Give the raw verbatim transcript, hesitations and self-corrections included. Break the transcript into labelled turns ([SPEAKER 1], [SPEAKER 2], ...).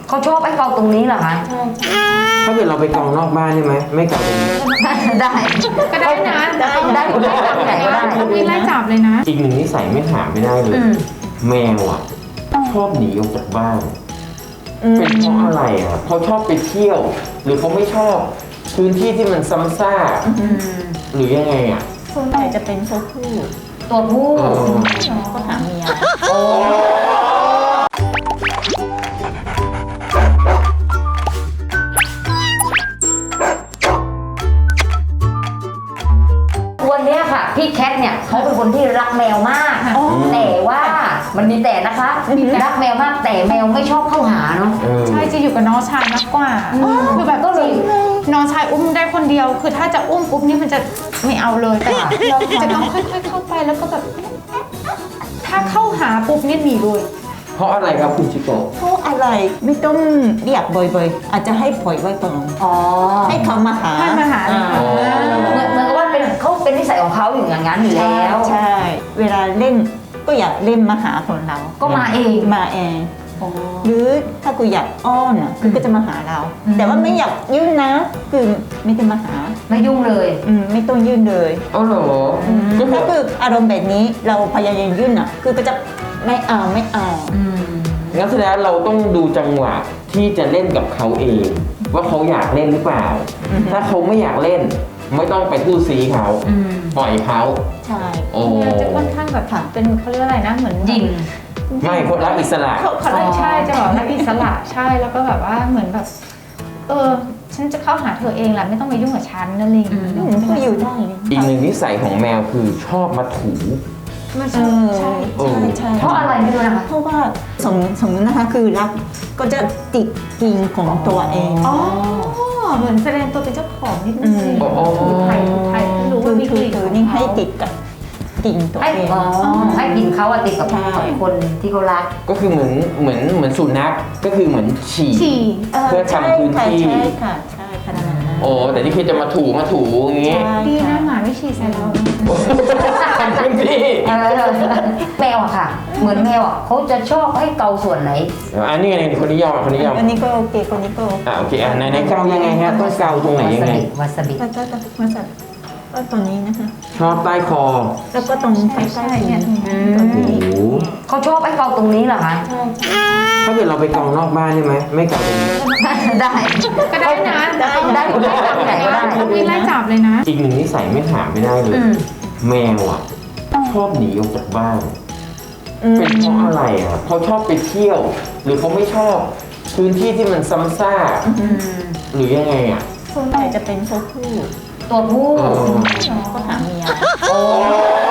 [SPEAKER 1] เขาชอบให้เกาตรงนี้เหรอคะ
[SPEAKER 2] ถ้าเกิดเราไปกองนอกบ้านได้ไหมไม่เกาตรงนี้
[SPEAKER 1] ได้
[SPEAKER 3] ก็ได้นะได้
[SPEAKER 1] ได้ได้ได้ได้
[SPEAKER 3] ต้องมีไล่จับเลยนะ
[SPEAKER 2] อีกหนึ่งนิสัยไม่ถามไม่ได้เลยแมวอ่ะชอบหนีออกจากบ้านเป็นเพราะอะไรอ่ะเขาชอบไปเที่ยว หรือเขาไม่ชอบพื้นที่ที่มันซ้ำซากหรือยังไงอ่ะ
[SPEAKER 4] ส่วนใหญ่จะเป็นตัวผู้
[SPEAKER 1] ตัวผู้
[SPEAKER 4] ก็หาเมีย
[SPEAKER 1] วันนี้ค่ะพี่แคทเนี่ยเขาเป็นคนที่รักแมวมากแต่ว่ามันมีแต่นะคะรักแมวมากแต่แมวไม่ชอบเข้าหาเนาะ
[SPEAKER 3] ใช่จะอยู่กับน้องชายมากกว่าคือแบบก็เลยน้องชายอุ้มได้คนเดียวคือถ้าจะอุ้มปุ๊บนี่มันจะไม่เอาเลยแต่จะต้องค่อยๆเข้าไปแล้วก็แบบถ้าเข้าหาปุ๊บนี่หนีเลย
[SPEAKER 2] เพราะอะไรครับคุณชิโกะ
[SPEAKER 4] เพราะอะไรไม่ต้องเรียกบ่อยๆอาจจะให้ปล่อยไว้ก่อนให้เขามาหา
[SPEAKER 3] ให้มาหา
[SPEAKER 1] เหมือนเหมือนกับว่าเป็นเขาเป็นนิสัยของเขาอยู่อย่างนั้นอยู่แล้ว
[SPEAKER 4] ใช่เวลาเล่นก็อยากเล่นมาหาคนเรา
[SPEAKER 1] ก็มาเอง
[SPEAKER 4] มาเองหรือถ้ากูอยากอ้อนอ่ะคือก็จะมาหาเราแต่ว่าไม่อยากยื่นนะคือไม่ได้มาหา
[SPEAKER 1] ไม่ยุ่งเลย
[SPEAKER 4] อืมไม่ต้องยื่นเลย
[SPEAKER 2] อ๋อเหรอ
[SPEAKER 4] ก็คืออารมณ์แบบนี้เราพยายามยื่นอ่ะคือก็จะไม่เอาไม่เอา
[SPEAKER 2] งั้นแสดงเราต้องดูจังหวะที่จะเล่นกับเขาเองว่าเขาอยากเล่นหรือเปล่าถ้าเขาไม่อยากเล่นไม่ต้องไปทู่ซีเขาปล่อยเขา
[SPEAKER 4] ใช่
[SPEAKER 2] โอ้
[SPEAKER 3] จะค่อนข้างแบบเป็นเขาเรียกอะไรนะเหมือน
[SPEAKER 1] ยิง
[SPEAKER 2] ไม่คนรักอิสระ
[SPEAKER 3] เขาเขาใช่จะบอกรักอิสระใช่แล้วก็แบบว่าเหมือนแบบเออฉันจะเข้าหาเธอเองแหละไม่ต้องมายุ่งกับฉันนั่นเอง
[SPEAKER 4] ก็อยู่ได้
[SPEAKER 2] อีกหนึ่งนิสัยของแมวคือชอบมาถู
[SPEAKER 4] ใช่ใช่ใช่
[SPEAKER 1] เพราะอะไรไม่รู้นะคะ
[SPEAKER 4] เพราะว่าสมสมมตินะคะคือรักก็จะติดกิ่งของตัวเอง
[SPEAKER 3] อ๋อเหมือนแสดงตัวเป็นเจ้าของนิดนึงถูไทยถูไทยไม่รู้ว่ามีกลิ่น
[SPEAKER 4] คือนี่ให้ติดกับกิ่งตัวเอง
[SPEAKER 1] ให้กิ่งเขาอะติดกับคนที่เขารัก
[SPEAKER 2] ก็คือเหมือนเหมือนเหมือนสุนัขก็คือเหมือนฉี่เพื่อทำพื้นที่
[SPEAKER 4] ใช่ค่ะใช่ขนาดนั้น
[SPEAKER 2] โอ้แต่นี่คือจะมาถูมาถูอย่างงี้
[SPEAKER 3] ดีนะหมาไม่ฉี่ใส่เรา
[SPEAKER 2] ทำพื้นที่
[SPEAKER 1] แมวอะค่ะเหมือนแมวอะเขาจะชอบให้เกาส่วนไหน
[SPEAKER 2] อันนี้ไงคนนี้ยอมคนนี้ยอม
[SPEAKER 4] อันนี้ก็โอเคคนนี้ก็
[SPEAKER 2] อ่าโอเคอ่าในในเกายังไงฮะต้องเกาตรงไหนยังไง
[SPEAKER 1] วาซาบิ
[SPEAKER 4] วาซาบิวาซาบิก็ตรงนี้นะคะ
[SPEAKER 2] ชอบใต้คอ
[SPEAKER 4] แล้วก็ตรงใกล้ๆเนี่ย
[SPEAKER 1] เขาชอบให้เกาตรงนี้เหรอคะ
[SPEAKER 2] ถ้าเกิดเราไปกองนอกบ้านได้ไหมไม่เกาตรงนี้
[SPEAKER 1] ได้
[SPEAKER 3] ก็ได้นะได้
[SPEAKER 1] ได้ได้
[SPEAKER 3] ต้องมีไล่จับเลยนะ
[SPEAKER 2] อีกหนึ่งนิสัยไม่ถามไม่ได้เลยแมวอ่ะชอบหนีออกจากบ้านเป็นเพราะอะไรอ่ะเขาชอบไปเที่ยว หรือเขาไม่ชอบพื้นที่ที่มันซ้ำซากหรือยังไงอ่ะ
[SPEAKER 4] ส่วนใหญ่จะเป็นตัวผู้
[SPEAKER 1] ตัวผู้
[SPEAKER 4] ก็หาเมีย